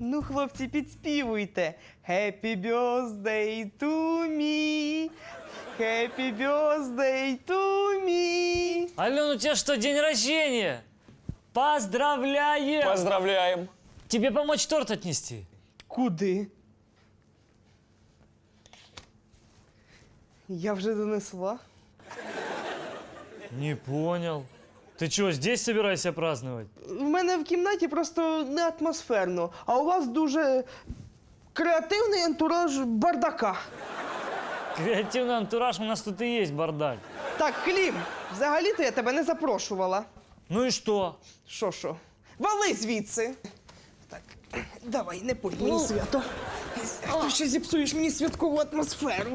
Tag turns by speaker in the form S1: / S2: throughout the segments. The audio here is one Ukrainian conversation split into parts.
S1: Ну, хлопці, підспівуйте. Happy birthday to me. Happy birthday to me.
S2: Ален, у тебя что, день рождения? Поздравляем!
S3: Поздравляем.
S2: Тебе помочь торт отнести?
S1: Куди? Я вже донесла.
S2: Не понял. Ты что, здесь собираешься праздновать?
S1: В мене в кімнаті просто не атмосферно, а у вас дуже креативний антураж бардака.
S2: Креативный антураж, у нас тут и есть бардак.
S1: Так, Клім, взагалі-то я тебе не запрошувала.
S2: Ну и что?
S1: Що? Вали звідси. Так, давай, не пой мені свято. Ти ще зіпсуєш мені святкову атмосферу.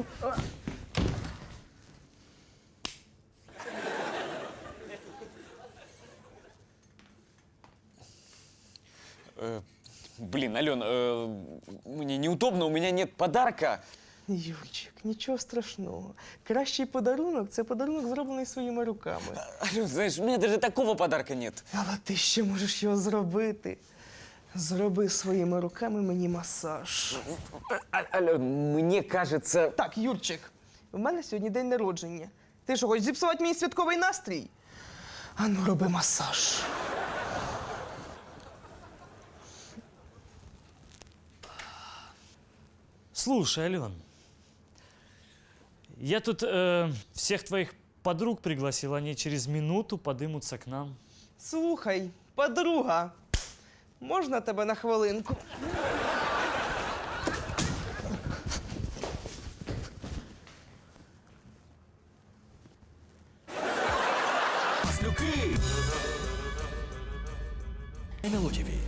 S3: Блин, Ален, мне неудобно, у меня нет подарка.
S1: Юрчик, нічого страшного. Кращий подарунок – це подарунок, зроблений своїми руками.
S3: Ален, знаешь, у меня даже такого подарка нет.
S1: Але ти ще можеш його зробити. Зроби своїми руками мені масаж.
S3: Ален, мне кажется...
S1: Так, Юрчик, в мене сьогодні день народження. Ти що, хочеш зіпсувати мій святковий настрій? Ану, роби масаж.
S2: Слушай, Ален, я тут всех твоих подруг пригласил, они через минуту подымутся к нам.
S1: Слухай, подруга, можна тебе на хвилинку?
S4: НЛО ТВ.